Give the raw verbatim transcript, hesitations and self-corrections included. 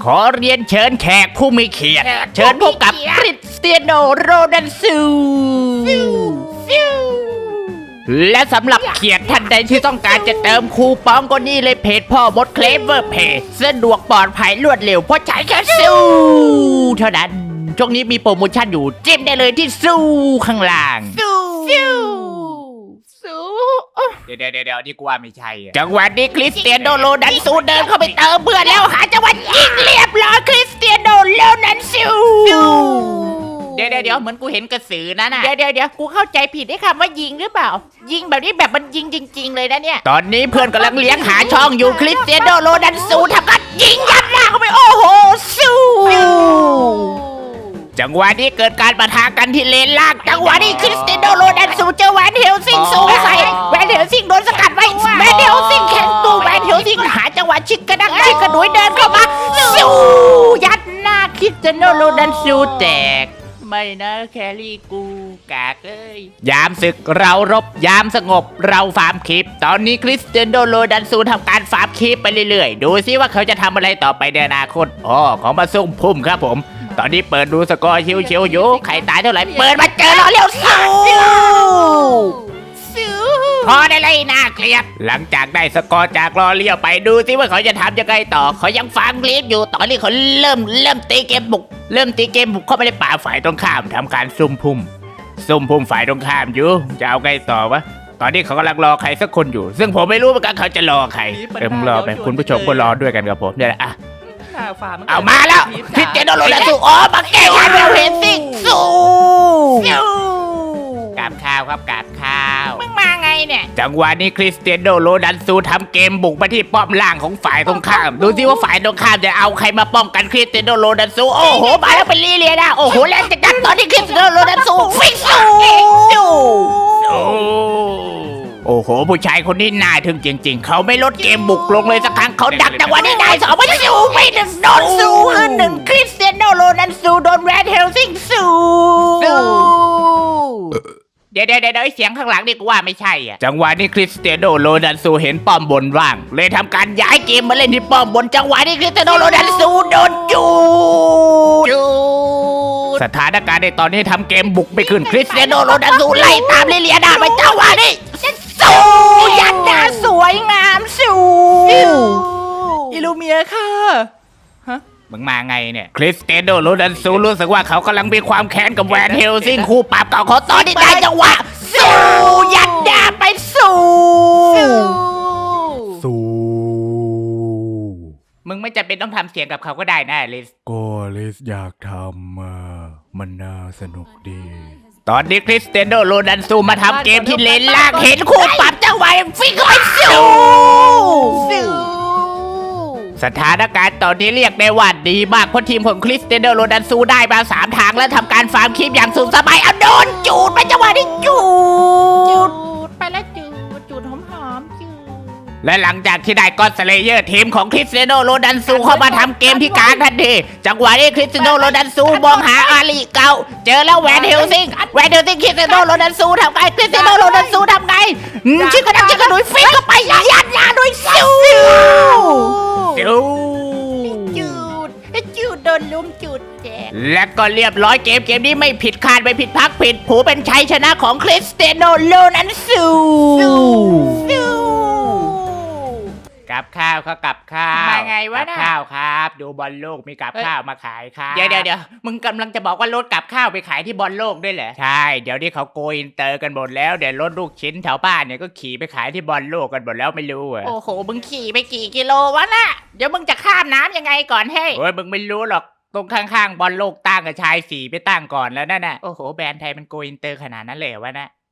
ขอเรียนเชิญแขกผู้มีเกียรติเชิญพบกับคริสเตียโนโรนัลซูและสำหรับเกียรติท่านใดที่ต้องการจะเติมคูปองก็นี่เลยเพจพ่อมดเคลเวอร์เพจสะดวกปลอดภัยรวดเร็วเพราะใช้แค่ซูเท่านั้นช่วงนี้มีโปรโมชั่นอยู่จิ้มได้เลยที่ซูข้างล่างซูซูเดี๋ยวเดี๋ยวเดี๋ยวนี่กูว่าไม่ใช่จังหวะนี้คริสเตียโนโรนัลซูเดินเข้าไปเติมเพื่อนแล้วหาจังหวะยิงเรียบร้อยคริสเตียโนโรนัลซูเดี๋ยวเดี๋ยวเดี๋ยวเหมือนกูเห็นกระสือนะน่ะเดี๋ยวเดี๋ยวเดี๋ยวกูเข้าใจผิดได้คำว่ายิงหรือเปล่ายิงแบบนี้แบบมันยิงจริงๆเลยนะเนี่ยตอนนี้เพื่อนกำลังเลี้ยงหาช่องอยู่คริสเตียโนโรนัลซูทำการยิงยัดหน้าเข้าไปโอ้โหซูจังหวะนี้เกิดการปะทะกันที่เลนล่างจังหวะนี้คริสเตียโนโรนัลซูเจอแวนเฮลซิงสูงใส่แวนเฮลซิงโดนสกัดไว้แวนเฮลซิงแข็งตัวแวนเฮลซิงหาจังหวะชิกกระดักชิกกระดุยเดินเข้ามาซูยัดหน้าคริสเตียโนโรนัลซูแตกไม่นะแครี่กูกากเอ้ยยามศึกเรารบยามสงบเราฟาร์มคลิปตอนนี้คริสเตียโนโรนัลซูทำการฟาร์มคลิปไปเรื่อยๆดูซิว่าเขาจะทำอะไรต่อไปในอนาคตอ๋อของมาซุ่มพุ่มครับผมตอนนี้เปิดดูสกอร์ชิวๆอยู่ใครตายเท่าไหร่เปิดมาเจอเราเร็วสู้พอได้เลยน่าเกลียดหลังจากได้สกอร์จากรอเลี้ยวไปดูซิว่าเขาจะทำยังไงต่อเขายังฟาร์มคลิปอยู่ตอนนี้เขาเริ่มเริ่มตีเกมบุกเริ่มตีเกมบุกเข้าไปในป่าฝ่ายตรงข้ามทำการซุ่มพุ่มซุ่มพุ่มฝ่ายตรงข้ามอยู่จะเอาไงต่อวะตอนนี้เขากำลังรอใครสักคนอยู่ ซึ่งผมไม่รู้เหมือนกันเขาจะรอใครเอ็มรอไปคุณผู้ชมก็รอด้วยกันกับผมเนี่ยแหละอ่ะเอามาแล้วคริสเตียโนโรนัลซูอ๋อมาแก้งานเราเห็นสิสู้กราบข้าวครับกราบข้าวมึงมาไงเนี่ยจังหวะนี้คริสเตียโนโรนัลซูทำเกมบุกมาที่ป้อมล่างของฝ่ายตรงข้ามดูสิว่าฝ่ายตรงข้ามจะเอาใครมาป้องกันคริสเตียโนโรนัลซูโอ้โหมาแล้วเป็นลีเลียนะโอ้โหแรงจัดตอนที่คริสเตียโนโรนัลซูฟิกซูโอ้โหผู้ชายคนนี้น่าทึ่งจริงๆเขาไม่ลดเกมบุกลงเลยสักครั้งเขาดักจังหวะนี้ได้สองไม่สู้ไม่หนึ่งโดนสู้ขึ้นหนึ่งคริสเตียโนโรนัลซูโดนแรดเฮลซิงสู้เดี๋ยวเดี๋ยวเดี๋ยวเสียงข้างหลังนี่กูว่าไม่ใช่อ่ะจังหวะนี้คริสเตียโนโรนัลซูเห็นป้อมบนว่างเลยทำการย้ายเกมมาเล่นที่ป้อมบนจังหวะนี้คริสเตียโนโรนัลซูโดนจูดสถานการณ์ในตอนนี้ทำเกมบุกไม่ขึ้นคริสเตียโนโรนัลซูไล่ตามลิเลียดาไปจังหวะนี้สู้ยันดาสวยงามสู้อิลูเมียค่ะฮะมึงมาไงเนี่ยคริสเตียโนโรนัลซูรู้สึกว่าเขากำลังมีความแค้นกับแวนเฮลซิงคู่ปราบเก่าเขาตอนนี้ได้จังหวะสู้ยันดาไปสู้สู้มึงไม่จำเป็นต้องทำเสียงกับเขาก็ได้นะลิสก็ลิสอยากทำอ่ะมันน่าสนุกดีตอนนี้คริสเตียโนโรนัลซูมาทำเกมที่เลนล่างเห็นคู่ปรับจังหวะฟิกเข้าไปสู้สถานการณ์ตอนนี้เรียกได้ว่าดีมากเพราะทีมของคริสเตียโนโรนัลซูได้มาสามทางแล้วทำการฟาร์มคลิปอย่างสุขสบายเอาโดนจูดไปจังหวะนี้จูดไปแล้วจูดจูดหอมๆจูดและหลังจากที่ได้ก็อดสเลเยอร์ทีมของคริสเตียโนโรนัลซูเข้ามาทำเกมที่กลางทันทีจังหวะนี้คริสเตียโนโรนัลซูมองหาอาลีเก่าเจอแล้วแวนเฮลซิงแวนเฮลซิงคริสเตียโนโรนัลซูทำไงคริสเตียโนโรนัลซูทำไงชิคกระดักชิคกระดุยฟิกเข้าไปยัดยาด้วยซิวจูดจูดโดนลุมจูดแจกและก็เรียบร้อยเกมเกมนี้ไม่ผิดคาดไม่ผิดพักผิดผูเป็นชัยชนะของคริสเตียโนโรนัลซูกับข้าวเขากับข้าวมาไงวะนะข้าวครับดูบอลโลกมีกับข้าวมาขายครับเดี๋ยวเดี๋ยวเดี๋ยวมึงกำลังจะบอกว่ารถกับข้าวไปขายที่บอลโลกด้วยเหรอใช่เดี๋ยวนี้เขาโกอินเตอร์กันหมดแล้วเดี๋ยวรถลูกชิ้นแถวบ้านเนี่ยก็ขี่ไปขายที่บอลโลกกันหมดแล้วไม่รู้อ่ะโอ้โหมึงขี่ไปกี่กิโลวะน่ะเดี๋ยวมึงจะข้ามน้ำยังไงก่อนให้โอ้ยมึงไม่รู้หรอกตรงข้างๆบอลโลกตั้งกับชายสีไปตั้งก่อนแล้วนั่นน่ะโอ้โหแบรนด์ไทยมันโกอินเตอร์ขนาดนั้นเลยวะนะ